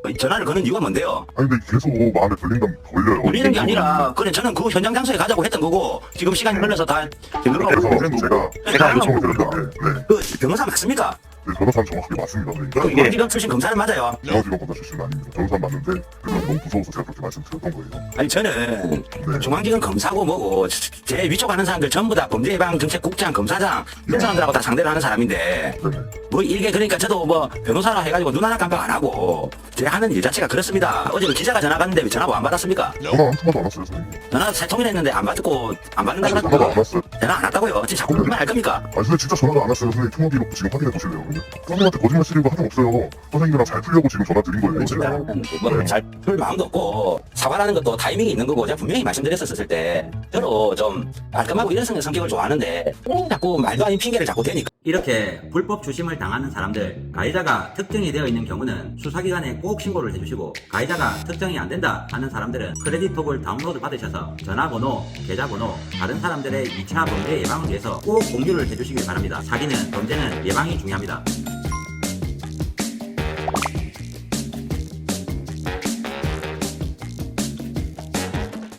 전화를 거는 이유가 뭔데요? 아니 근데 계속 마음에 걸린다면 걸려요. 걸리는 게 아니라 그래 저는 그 현장 장소에 가자고 했던 거고 지금 시간이 흘러서 다 그래서 제가 요청을 드렸는데 그 변호사 맞습니까? 네, 변호사는 정확하게 맞습니다. 네. 그 중앙지검 출신 검사는 맞아요. 중앙지검 검사 출신은 아닙니다. 변호사는 맞는데 그냥 너무 무서워서 제가 그렇게 말씀드렸던 거예요. 아니 저는 네. 중앙지검 검사고 뭐고 제 위촉하는 사람들 전부 다 범죄예방정책국장 검사장 이런 사람들하고 다 상대를 하는 사람인데 네네. 뭐 이게 그러니까 저도 뭐 변호사라 해가지고 눈 하나 깜빡 안 하고 제 하는 일 자체가 그렇습니다. 어제 그 기자가 전화 갔는데 왜 전화 안 받았습니까? 전화 한 통화도 안 왔어요, 선생님. 전화 세 통이나 했는데 안 받고 안 받는다 전화도 안 그러니까 왔어요. 전화 안 왔다고요. 진짜 자꾸 그만 할 겁니까? 아니 선생님 진짜 전화가 안 왔어요. 선생님 통화 기록 지금 확인해 보실래요? 그러면? 선생님한테 거짓말 쓰는 거 하나 없어요. 선생님이랑 잘 풀려고 지금 전화 드린 거예요. 뭐잘 풀 마음도 없고 사과라는 것도 타이밍이 있는 거고 제가 분명히 말씀드렸었을 때 저도 좀 깔끔하고 이런 성격을 좋아하는데 자꾸 말도 아닌 핑계를 자꾸 대니까 이렇게 불법 주심을 당하는 사람들, 가해자가 특정이 되어 있는 경우는 수사기관에 꼭 신고를 해주시고 가해자가 특정이 안 된다 하는 사람들은 크레딧톡을 다운로드 받으셔서 전화번호, 계좌번호, 다른 사람들의 2차 범죄 예방을 위해서 꼭 공유를 해주시길 바랍니다. 사기는 범죄는 예방이 중요합니다.